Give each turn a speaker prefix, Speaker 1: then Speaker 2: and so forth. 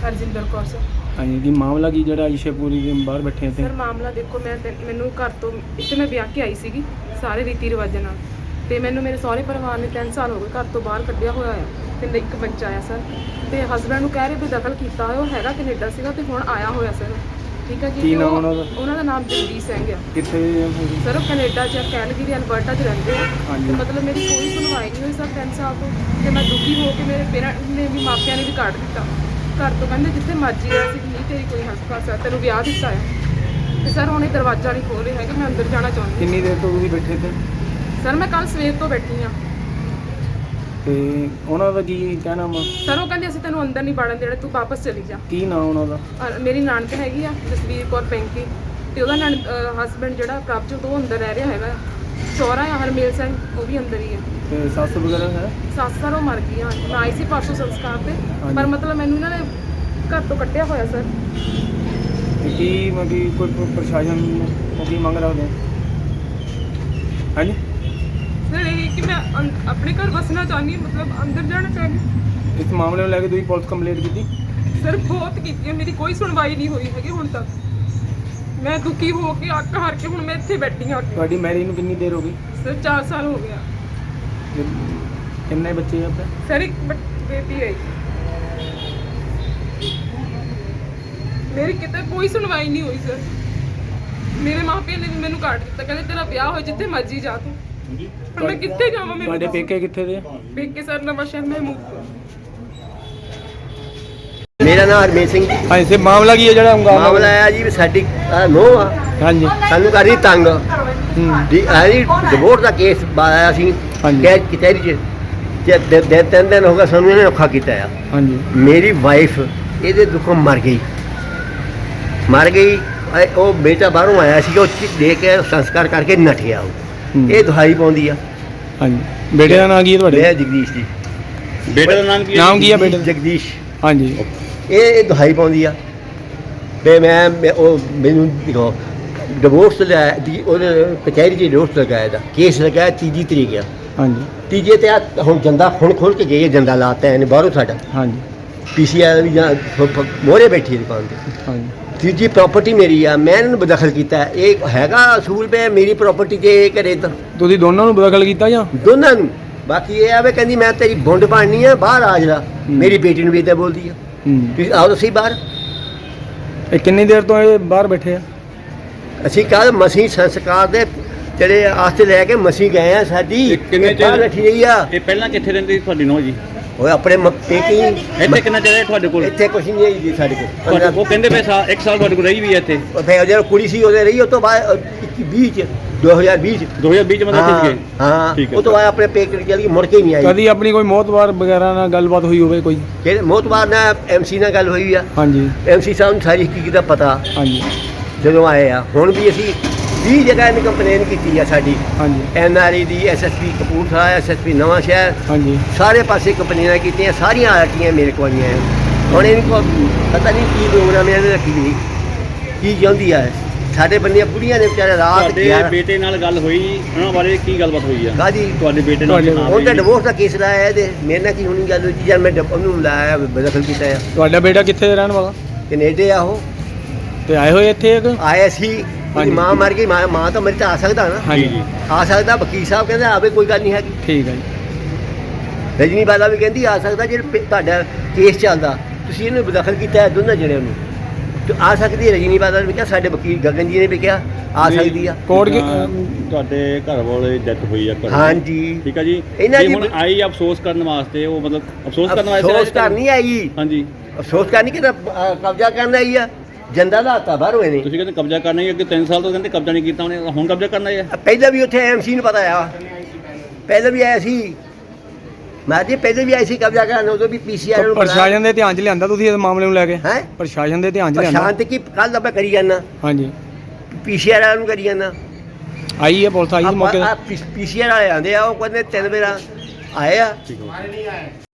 Speaker 1: Harjinder Kaur sir.
Speaker 2: ਹਾਂਜੀ ਕੀ ਮਾਮਲਾ ਕੀ ਜਿਹੜਾ ਇਸ਼ੇਪੂਰੀ ਦੇ ਬਾਹਰ ਬੈਠੇ ਇੱਥੇ?
Speaker 1: ਸਰ ਮਾਮਲਾ ਦੇਖੋ, ਮੈਨੂੰ ਘਰ ਤੋਂ ਇੱਥੇ ਮੈਂ ਵਿਆਹ ਕੇ ਆਈ ਸੀਗੀ ਸਾਰੇ ਰੀਤੀ ਰਿਵਾਜਾਂ ਨਾਲ, ਤੇ ਮੈਨੂੰ ਮੇਰੇ ਸਹੁਰੇ ਪਰਿਵਾਰ ਨੇ 3 ਸਾਲ ਹੋ ਗਏ ਘਰ ਤੋਂ ਬਾਹਰ ਕੱਢਿਆ ਹੋਇਆ ਆ, ਤੇ ਇੱਕ ਬੱਚਾ ਆ ਸਰ। ਤੇ ਹਸਬੈਂਡ ਨੂੰ ਕਹਿ ਰਹੇ ਵੀ ਦਖਲ ਕੀਤਾ ਹੋਇਆ, ਉਹ ਹੈਗਾ ਕੈਨੇਡਾ ਸੀਗਾ ਤੇ ਹੁਣ ਆਇਆ ਹੋਇਆ ਸਰ। ਠੀਕ ਹੈ ਜੀ।
Speaker 2: ਕੀ ਨਾਮ ਉਹਨਾਂ ਦਾ?
Speaker 1: ਉਹਨਾਂ ਦਾ ਨਾਮ ਜਗਦੀਸ਼ ਸਿੰਘ ਆ।
Speaker 2: ਕਿੱਥੇ
Speaker 1: ਸਰ ਉਹ ਕੈਨੇਡਾ 'ਚ ਕੈਲਗਰੀ ਅਲਬਰਟਾ 'ਚ ਰਹਿੰਦੇ ਆ।
Speaker 2: ਹਾਂਜੀ।
Speaker 1: ਤੇ ਮਤਲਬ ਮੇਰੀ ਕੋਈ ਸੁਣਵਾਈ ਨਹੀਂ ਹੋਈ ਸਰ 3 ਸਾਲ ਤੋਂ, ਤੇ ਮੈਂ ਦੁਖੀ ਹੋ ਕੇ ਮੇਰੇ ਪੇਰੈਂਟਸ ਨੇ ਵੀ ਮਾਪਿਆਂ ਨੇ ਵੀ ਕੱਢ ਦਿੱਤਾ ਘਰ ਤੋਂ। ਕਹਿੰਦੇ ਜਿੱਥੇ ਮਰਜ਼ੀ ਆ, ਅਸੀਂ ਨਹੀਂ ਤੇਰੀ ਕੋਈ ਹਸਪਤਾਲ ਆ, ਤੈਨੂੰ ਵਿਆਹ ਦਿੱਤਾ ਹੈ। ਤੇ ਸਰ ਹੁਣ ਇਹ ਦਰਵਾਜ਼ਾ ਨਹੀਂ ਖੋਲ ਰਿਹਾ ਹੈਗਾ, ਮੈਂ ਅੰਦਰ ਜਾਣਾ ਚਾਹੁੰਦੀ।
Speaker 2: ਕਿੰਨੀ ਦੇਰ ਤੋਂ ਤੁਸੀਂ ਬੈਠੇ ਇੱਥੇ?
Speaker 1: ਸਰ ਮੈਂ ਕੱਲ ਸਵੇਰ ਤੋਂ ਬੈਠੀ ਹਾਂ।
Speaker 2: ਤੇ ਉਹਨਾਂ ਦਾ ਕੀ ਕਹਿਣਾ ਵਾ?
Speaker 1: ਸਰ ਉਹ ਕਹਿੰਦੇ ਅਸੀਂ ਤੈਨੂੰ ਅੰਦਰ ਨਹੀਂ ਵੜਨ ਦੇਣਾ, ਤੂੰ ਵਾਪਸ ਚਲੀ ਜਾ।
Speaker 2: ਕੀ ਨਾਮ ਉਹਨਾਂ ਦਾ?
Speaker 1: ਮੇਰੀ ਨਾਨਕ ਹੈਗੀ ਆ ਜਸਵੀਰ ਕੌਰ ਪੈਂਕੀ, ਤੇ ਉਹਦਾ ਹਸਬੈਂਡ ਜਿਹੜਾ ਪ੍ਰਭਜੋਤ ਉਹ ਅੰਦਰ ਰਹਿ ਰਿਹਾ ਹੈਗਾ। ਸਹੁਰਾ ਆ ਹਰਮੇਲ ਸਿੰਘ, ਉਹ ਵੀ ਅੰਦਰ ਹੀ ਆ।
Speaker 2: ਤੇ ਸੱਸ ਵਗੈਰਾ ਹੈ?
Speaker 1: ਸੱਸ ਸਰ ਉਹ ਮਰ ਗਈ ਆ। ਮੈਂ ਆਈ ਸੀ ਪਰਸੋਂ ਸੰਸਕਾਰ ਤੇ, ਪਰ ਮਤਲਬ ਮੈਨੂੰ ਇਹਨਾਂ ਨੇ ਘਰ ਤੋਂ ਕੱਢਿਆ ਹੋਇਆ ਸਰ।
Speaker 2: ਤੇ ਕੀ ਮਤਲਬ ਕੋਈ ਪ੍ਰਸ਼ਾਸਨ ਨੂੰ ਕੀ ਮੰਗ ਰੱਖਦੇ? ਹਾਂਜੀ
Speaker 1: ਸਰ ਇਹ ਕਿ ਮੈਂ ਆਪਣੇ ਘਰ ਵਸਣਾ ਚਾਹੁੰਦੀ ਹਾਂ, ਮਤਲਬ ਅੰਦਰ ਜਾਣਾ ਚਾਹੁੰਦੀ।
Speaker 2: ਇਸ ਮਾਮਲੇ ਨੂੰ ਲੈ ਕੇ ਤੁਸੀਂ ਪੁਲਿਸ ਕੰਪਲੇਂਟ ਕੀਤੀ?
Speaker 1: ਸਰ ਬਹੁਤ ਕੀਤੀ ਹੈ, ਮੇਰੀ ਕੋਈ ਸੁਣਵਾਈ ਨਹੀਂ ਹੋਈ ਹੈਗੀ ਹੁਣ ਤੱਕ। ਮੈਂ ਦੁਖੀ ਹੋ ਕੇ ਅੱਕ ਹਾਰ ਕੇ ਹੁਣ ਮੈਂ ਇੱਥੇ ਬੈਠੀ ਹਾਂ।
Speaker 2: ਤੁਹਾਡੀ ਮੈਰਿਜ ਨੂੰ ਕਿੰਨੀ ਦੇਰ ਹੋ ਗਈ?
Speaker 1: ਸਰ 4 ਸਾਲ ਹੋ ਗਿਆ।
Speaker 2: ਕਿੰਨੇ ਬੱਚੇ ਆ ਆਪਣੇ?
Speaker 1: ਸਰ ਇੱਕ ਬੇਟੀ ਹੈ। ਮੇਰੀ ਕਿਤੇ ਕੋਈ ਸੁਣਵਾਈ ਨਹੀਂ ਹੋਈ ਸਰ। ਮੇਰੇ ਮਾਪਿਆਂ ਨੇ ਵੀ ਮੈਨੂੰ ਕੱਢ ਦਿੱਤਾ, ਕਹਿੰਦੇ ਤੇਰਾ ਵਿਆਹ ਹੋਇਆ ਜਿੱਥੇ ਮਰਜ਼ੀ ਜਾ ਤੂੰ। ਹੁਣ ਮੈਂ ਕਿੱਥੇ ਜਾਵਾਂ?
Speaker 2: ਤੁਹਾਡੇ ਪੇਕੇ ਕਿੱਥੇ ਦੇ?
Speaker 1: ਪੇਕੇ ਸਰ ਨਵਾਂ ਸ਼ਹਿਰ ਮਹਿਮੂਦਪੁਰ।
Speaker 3: ਮੇਰਾ ਨਾਮ ਹਰਮੇਲ ਸਿੰਘ ਜੀ।
Speaker 2: ਹਾਂਜੀ ਸੇ ਮਾਮਲਾ ਕੀ ਹੈ ਜਿਹੜਾ
Speaker 3: ਮਾਮਲਾ ਆਇਆ ਜੀ ਵੀ ਸਾਡੀ ਨੋਹ ਆ,
Speaker 2: ਹਾਂਜੀ
Speaker 3: ਸਾਨੂੰ ਕਰ ਰਹੀ ਤੰਗ
Speaker 2: ਹੂੰ
Speaker 3: ਦੀ ਡਿਵੋਰਸ ਦਾ ਕੇਸ ਆਇਆ ਸੀ ਕੈਦ ਕਚਹਿਰੀ 'ਚ। ਤੇ 3 ਦਿਨ ਹੋ ਗਏ ਸਾਨੂੰ ਇਹਨੇ ਔਖਾ ਕੀਤਾ ਆ।
Speaker 2: ਹਾਂਜੀ
Speaker 3: ਮੇਰੀ ਵਾਈਫ ਇਹਦੇ ਦੁੱਖੋਂ ਮਰ ਗਈ। ਉਹ ਬੇਟਾ ਬਾਹਰੋਂ ਆਇਆ ਸੀ, ਉਹ ਦੇ ਕੇ ਸੰਸਕਾਰ ਕਰਕੇ ਨੱਠਿਆ। ਉਹ ਇਹ ਦੁਹਾਈ ਪਾਉਂਦੀ ਆ।
Speaker 2: ਹਾਂਜੀ ਬੇਟੇ ਦਾ ਨਾਮ ਕੀ ਹੈ ਤੁਹਾਡੇ?
Speaker 3: ਮੈਂ ਜਗਦੀਸ਼ ਜੀ।
Speaker 4: ਬੇਟੇ ਦਾ ਨਾਮ ਕੀ
Speaker 2: ਹੈ ਬੇਟੇ ਦਾ?
Speaker 3: ਜਗਦੀਸ਼।
Speaker 2: ਹਾਂਜੀ
Speaker 3: ਇਹ ਦੁਹਾਈ ਪਾਉਂਦੀ ਆ ਤੇ ਮੈਂ ਉਹ ਮੈਨੂੰ ਦੇਖੋ ਡਿਵੋਰਸ ਲੈ ਦੀ ਉਹਦੇ ਕਚਹਿਰੀ 'ਚ ਡਿਵੋਰਸ ਲਗਾਇਆ ਦਾ ਕੇਸ ਲਗਾਇਆ 3 ਤਰੀਕ ਆ।
Speaker 2: ਹਾਂਜੀ
Speaker 3: ਤੀਜੇ ਤੇ ਹੁਣ ਜੰਦਾ ਹੁਣ ਖੋਲ ਕੇ ਗਈ ਹੈ, ਜੰਦਾ ਲਾਤਾ ਇਹਨੇ ਬਾਹਰੋਂ ਸਾਡਾ।
Speaker 2: ਹਾਂਜੀ
Speaker 3: PCI ਵੀ ਜਾਂ ਮੋਹਰੇ ਬੈਠੀ ਦੁਕਾਨ ਤੇ।
Speaker 2: ਹਾਂਜੀ
Speaker 3: ਤੀਜੀ ਪ੍ਰਾਪਰਟੀ ਮੇਰੀ ਆ, ਮੈਂ ਇਹਨਾਂ ਨੂੰ ਬਦਖਲ ਕੀਤਾ। ਇਹ ਹੈਗਾ ਅਸੂਲ ਪਏ ਮੇਰੀ ਪ੍ਰਾਪਰਟੀ 'ਚ ਇਹ ਘਰੇ ਤਾਂ
Speaker 2: ਤੁਸੀਂ ਦੋਨਾਂ ਨੂੰ ਬਦਖਲ ਕੀਤਾ ਜਾਂ
Speaker 3: ਦੋਨਾਂ ਨੂੰ? ਬਾਕੀ ਇਹ ਆਵੇ ਕਹਿੰਦੀ ਮੈਂ ਤੇਰੀ ਬੁੰਡ ਬਣਨੀ ਆ, ਬਾਹਰ ਆ ਜਰਾ। ਮੇਰੀ ਬੇਟੀ ਨੂੰ ਵੀ ਇੱਦਾਂ ਬੋਲਦੀ ਆ। ਤੁਸੀਂ ਆਓ ਤੁਸੀਂ ਬਾਹਰ।
Speaker 2: ਇਹ ਕਿੰਨੀ ਦੇਰ ਤੋਂ ਇਹ ਬਾਹਰ ਬੈਠੇ ਆ?
Speaker 3: ਅਸੀਂ ਕੱਲ ਮਸੀਂ ਸੰਸਕਾਰ ਦੇ ਜਿਹੜੇ ਆਸਤੇ ਲੈ ਕੇ ਮਸੀਂ ਗਏ ਆ। ਸਾਡੀ
Speaker 4: ਕਿੰਨੇ
Speaker 3: ਬਾਹਰ ਬੈਠੀ ਰਹੀ ਆ।
Speaker 4: ਇਹ ਪਹਿਲਾਂ ਕਿੱਥੇ ਰਹਿੰਦੀ ਸੀ ਤੁਹਾਡੀ ਨੋਹ ਜੀ?
Speaker 3: ਉਹ ਆਪਣੇ ਪੇਕੀ
Speaker 4: ਇੱਥੇ ਕਿੰਨਾ ਚਿਰ ਹੈ ਤੁਹਾਡੇ ਕੋਲ?
Speaker 3: ਇੱਥੇ ਕੁਛ ਨਹੀਂ ਹੈ ਜੀ ਸਾਡੇ ਕੋਲ।
Speaker 4: ਉਹ ਕਹਿੰਦੇ ਪਏ 1 ਸਾਲ ਤੁਹਾਡੇ ਕੋਲ ਰਹੀ ਵੀ ਹੈ ਇੱਥੇ।
Speaker 3: ਫਿਰ ਜਦੋਂ ਕੁੜੀ ਸੀ ਉਹਦੇ ਰਹੀ, ਉਹ ਤੋਂ ਬਾਅਦ 2020 ਚ
Speaker 4: 2020 ਚ ਮਤਲਬ ਕਿੱਥੇ ਗਏ?
Speaker 3: ਹਾਂ
Speaker 4: ਠੀਕ ਹੈ।
Speaker 3: ਉਹ ਤੋਂ ਬਾਅਦ ਆਪਣੇ ਪੇਕੇ ਚਲੀ ਗਈ, ਮੁੜ ਕੇ ਹੀ ਨਹੀਂ ਆਈ।
Speaker 2: ਕਦੀ ਆਪਣੀ ਕੋਈ ਮੌਤਵਾਰ ਵਗੈਰਾ ਨਾਲ ਗੱਲਬਾਤ ਹੋਈ ਹੋਵੇ ਕੋਈ?
Speaker 3: ਕਿਹੜੇ ਮੋਤਬਾਰ ਨਾਲ MC ਨਾਲ ਗੱਲ ਹੋਈ ਆ।
Speaker 2: ਹਾਂਜੀ
Speaker 3: MC ਸਾਹਿਬ ਨੂੰ ਸਾਰੀ ਹਕੀਕਤ ਦਾ ਪਤਾ
Speaker 2: ਹਾਂਜੀ
Speaker 3: ਜਦੋਂ ਆਏ ਆ। ਹੁਣ ਵੀ ਅਸੀਂ 20 ਜਗ੍ਹਾ ਇਹਨੇ ਕੰਪਲੇਨ ਕੀਤੀ ਆ ਸਾਡੀ।
Speaker 2: ਹਾਂਜੀ
Speaker 3: NRA ਦੀ, SSP ਕਪੂਰਥਲਾ, SSP ਨਵਾਂ ਸ਼ਹਿਰ,
Speaker 2: ਹਾਂਜੀ
Speaker 3: ਸਾਰੇ ਪਾਸੇ ਕੰਪਲੇਨਾਂ ਕੀਤੀਆਂ। ਸਾਰੀਆਂ ਆਰਟੀਆਂ ਮੇਰੇ ਕੋਲ ਆਈਆਂ। ਹੁਣ ਇਹਨਾਂ ਕੋਲ ਪਤਾ ਨਹੀਂ ਕੀ ਪ੍ਰੋਗਰਾਮ ਇਹਨੇ ਰੱਖੀ ਨਹੀਂ, ਕੀ ਚਾਹੁੰਦੀ ਆ। ਸਾਡੇ ਬੰਦੀਆਂ ਬੁੜੀਆਂ ਨੇ ਵਿਚਾਰੇ ਰਾਤ
Speaker 4: ਤੁਹਾਡੇ ਬੇਟੇ ਨਾਲ ਗੱਲ ਹੋਈ, ਉਹਨਾਂ ਬਾਰੇ ਕੀ ਗੱਲਬਾਤ ਹੋਈ ਆ?
Speaker 3: ਕਾਹਦੀ?
Speaker 4: ਤੁਹਾਡੇ ਬੇਟੇ ਨਾਲ
Speaker 3: ਉਹ ਤਾਂ ਡਿਵੋਰਸ ਦਾ ਕੇਸ ਲਾਇਆ ਇਹਦੇ। ਮੇਰੇ ਨਾਲ ਕੀ ਹੋਣੀ ਗੱਲ ਹੋਈ ਜਦ ਮੈਂ ਉਹਨੂੰ ਲਾਇਆ ਬਦਖਲ ਕੀਤਾ ਆ।
Speaker 2: ਤੁਹਾਡਾ ਬੇਟਾ ਕਿੱਥੇ ਰਹਿਣ ਵਾਲਾ?
Speaker 3: ਕੈਨੇਡਾ ਆ ਉਹ।
Speaker 2: ਤੇ ਆਏ ਹੋਏ ਇੱਥੇ ਇੱਕ?
Speaker 3: ਆਇਆ ਸੀ। ਉਹਦੀ ਮਾਂ ਮਰ ਗਈ। ਮਾਂ ਤਾਂ ਮਰੀ ਤਾਂ ਆ ਸਕਦਾ ਨਾ।
Speaker 2: ਹਾਂਜੀ
Speaker 3: ਆ ਸਕਦਾ। ਵਕੀਲ ਸਾਹਿਬ ਕਹਿੰਦੇ ਆਵੇ, ਕੋਈ ਗੱਲ ਨਹੀਂ ਹੈਗੀ।
Speaker 2: ਠੀਕ ਹੈ ਜੀ।
Speaker 3: ਰਜਨੀ ਬਾਲਾ ਵੀ ਕਹਿੰਦੀ ਆ ਸਕਦਾ। ਜੇ ਤੁਹਾਡਾ ਕੇਸ ਚੱਲਦਾ, ਤੁਸੀਂ ਇਹਨੂੰ ਬਦਖਲ ਕੀਤਾ ਹੈ ਦੋਨਾਂ ਜਣਿਆਂ ਨੂੰ, ਤੇ ਆ ਸਕਦੀ ਹੈ। ਰਜਨੀ ਬਾਲਾ ਨੇ ਵੀ ਕਿਹਾ, ਸਾਡੇ ਵਕੀਲ ਗਗਨ ਜੀ ਨੇ ਵੀ ਕਿਹਾ ਆ ਸਕਦੀ ਆ।
Speaker 2: ਕੋਰਟ
Speaker 4: ਤੁਹਾਡੇ ਘਰ ਵਾਲੇ ਡੈਥ ਹੋਈ ਆ ਘਰ?
Speaker 3: ਹਾਂਜੀ
Speaker 4: ਠੀਕ ਆ ਜੀ।
Speaker 3: ਇਹਨਾਂ ਦੀ
Speaker 4: ਹੁਣ ਆਈ ਅਫਸੋਸ ਕਰਨ ਵਾਸਤੇ, ਉਹ ਮਤਲਬ ਅਫਸੋਸ ਕਰਨ ਵਾਸਤੇ?
Speaker 3: ਅਫਸੋਸ ਕਰਨ ਨਹੀਂ ਆਈ।
Speaker 4: ਹਾਂਜੀ
Speaker 3: ਅਫਸੋਸ ਕਰਨੀ ਕਿ ਕਬਜ਼ਾ ਕਰਨ ਆਈ ਆ। ਜੰਦਾ ਦਾ ਹੱਥਾ ਬਾਹਰੋਂ ਇਹਨੇ।
Speaker 4: ਤੁਸੀਂ ਕਹਿੰਦੇ ਕਬਜ਼ਾ ਕਰਨਾ ਹੀ, ਅੱਗੇ 3 ਸਾਲ ਤੋਂ ਕਹਿੰਦੇ ਕਬਜ਼ਾ ਨਹੀਂ ਕੀਤਾ ਉਹਨੇ, ਹੁਣ ਕਬਜ਼ਾ ਕਰਨਾ ਹੈ?
Speaker 3: ਪਹਿਲਾਂ ਵੀ ਉੱਥੇ MC ਨੂੰ ਪਤਾ ਆ। ਪਹਿਲਾਂ ਵੀ ਆਇਆ ਸੀ। ਮੈਂ ਜੀ ਪਹਿਲਾਂ ਵੀ ਆਈ ਸੀ ਕਬਜ਼ਾ ਕਰਨ, ਉਦੋਂ ਵੀ PCI ਨੂੰ
Speaker 2: ਪ੍ਰਸ਼ਾਸਨ ਦੇ ਧਿਆਨ 'ਚ ਲਿਆਂਦਾ ਤੁਸੀਂ ਇਸ ਮਾਮਲੇ ਨੂੰ ਲੈ ਕੇ?
Speaker 3: ਹੈ
Speaker 2: ਪ੍ਰਸ਼ਾਸਨ ਦੇ ਧਿਆਨ 'ਚ ਲਿਆਂਦਾ?
Speaker 3: ਸ਼ਾਂਤ ਕੀ ਕੱਲ ਦਾ ਮੈਂ ਕਰੀ ਜਾਂਦਾ।
Speaker 2: ਹਾਂਜੀ
Speaker 3: PCI ਵਾਲਿਆਂ ਨੂੰ ਕਰੀ ਜਾਂਦਾ।
Speaker 2: ਆਈ ਹੈ ਪੁਲਿਸ ਆਈ ਸੀ ਮੌਕੇ ਤੇ?
Speaker 3: PCI ਵਾਲੇ ਆਂਦੇ ਆ, ਉਹ ਕਹਿੰਦੇ 3 ਵਾਰ ਆਏ ਆ।